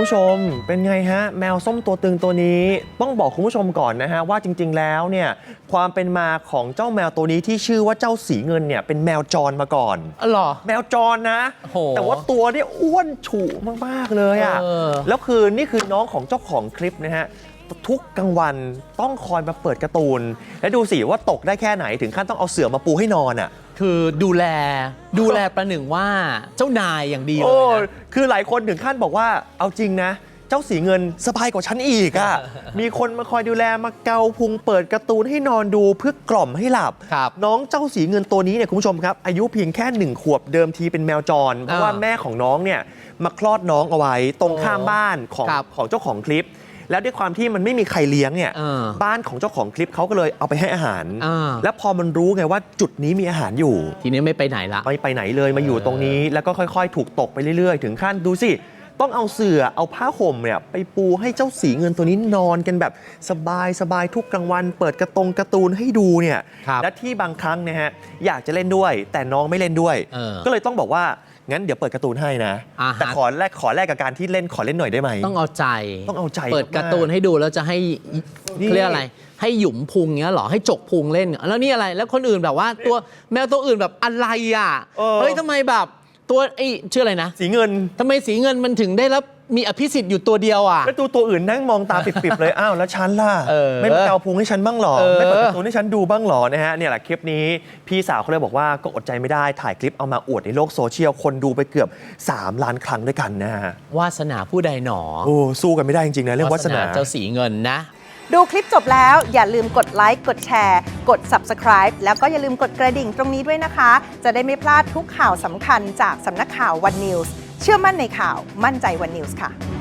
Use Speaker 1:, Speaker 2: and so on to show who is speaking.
Speaker 1: ผู้ชมเป็นไงฮะแมวส้มตัวตึงตัวนี้ต้องบอกคุณผู้ชมก่อนนะฮะว่าจริงๆแล้วเนี่ยความเป็นมาของเจ้าแมวตัวนี้ที่ชื่อว่าเจ้าสีเงินเนี่ยเป็นแมวจรมาก่อน
Speaker 2: หรอ
Speaker 1: แมวจรนะแต่ว่าตัวเนี่ยอ้วนฉุมากๆเลยอ่ะแล้วคือนี่คือน้องของเจ้าของคลิปนะฮะทุกกลางวันต้องคอยมาเปิดการ์ตูนและดูสิว่าตกได้แค่ไหนถึงขั้นต้องเอาเสื่อมาปูให้นอนอ่ะ
Speaker 2: คือดูแลประหนึ่งว่าเจ้านายอย่างดีเลยนะ
Speaker 1: คือหลายคนถึงขั้นบอกว่าเอาจริงนะเจ้าสีเงินสบายกว่าฉันอีกอ่ะ มีคนมาคอยดูแลมาเกาพุงเปิดการ์ตูนให้นอนดูเพื่อกล่อมให้หลับน้องเจ้าสีเงินตัวนี้เนี่ยคุณผู้ชมครับอายุเพียงแค่1 ขวบเดิมทีเป็นแมวจรเพราะว่าแม่ของน้องเนี่ยมาคลอดน้องเอาไว้ตรงข้ามบ้านของเจ้าของคลิปแล้วด้วยความที่มันไม่มีใครเลี้ยงเนี่ยบ้านของเจ้าของคลิปเขาก็เลยเอาไปให้อาหารแล้วพอมันรู้ไงว่าจุดนี้มีอาหารอยู่
Speaker 2: ทีนี้ไม่ไปไหนละ
Speaker 1: ไม่ไปไหนเลยมาอยู่ตรงนี้แล้วก็ค่อยๆถูกตกไปเรื่อยๆถึงขั้นดูสิต้องเอาเสื่อเอาผ้าห่มเนี่ยไปปูให้เจ้าสีเงินตัวนี้นอนกันแบบสบายทุกกลางวันเปิดการ์ตูนให้ดูเนี่ยและที่บางครั้งนะฮะอยากจะเล่นด้วยแต่น้องไม่เล่นด้วยก็เลยต้องบอกว่างั้นเดี๋ยวเปิดการ์ตูนให้นะแต่ขอแลกกับการที่เล่นขอเล่นหน่อยได้ไหม
Speaker 2: ต้องเอาใจเปิดการ์ตูนให้ดูแล้วจะให้เรียกอะไรให้หยุมพุงเงี้ยหรอให้จกพุงเล่นแล้วนี่อะไรแล้วคนอื่นแบบว่าตัวแมวตัวอื่นแบบอะไรอ่ะเฮ้ยทำไมแบบตัวชื่ออะไรนะ
Speaker 1: สีเงิน
Speaker 2: ทำไมสีเงินมันถึงได้รับมีอภิสิทธิ์อยู่ตัวเดียวอ่ะ
Speaker 1: แล้วตัวอื่นนั่งมองตาปิบๆเลยอ้าวแล้วฉันล่ะไม่มาเกาพุงให้ฉันบ้างหรอไม่เปิดการ์ตูนให้ฉันดูบ้างหรอนะฮะเนี่ยแหละคลิปนี้พี่สาวเขาเลยบอกว่าก็อดใจไม่ได้ถ่ายคลิปเอามาอวดในโลกโซเชียลคนดูไปเกือบ3 ล้านครั้งด้วยกันนะฮะ
Speaker 2: วาสนาผู้ใดหนอ
Speaker 1: โอ้สู้กันไม่ได้จริงๆนะเรื่องวาสนา
Speaker 2: เจ้าสีเงินนะ
Speaker 3: ดูคลิปจบแล้วอย่าลืมกดไลค์กดแชร์กด Subscribe แล้วก็อย่าลืมกดกระดิ่งตรงนี้ด้วยนะคะจะได้ไม่พลาดทุกข่าวสำคัญจากสำนักข่าว One News เชื่อมั่นในข่าวมั่นใจ One News ค่ะ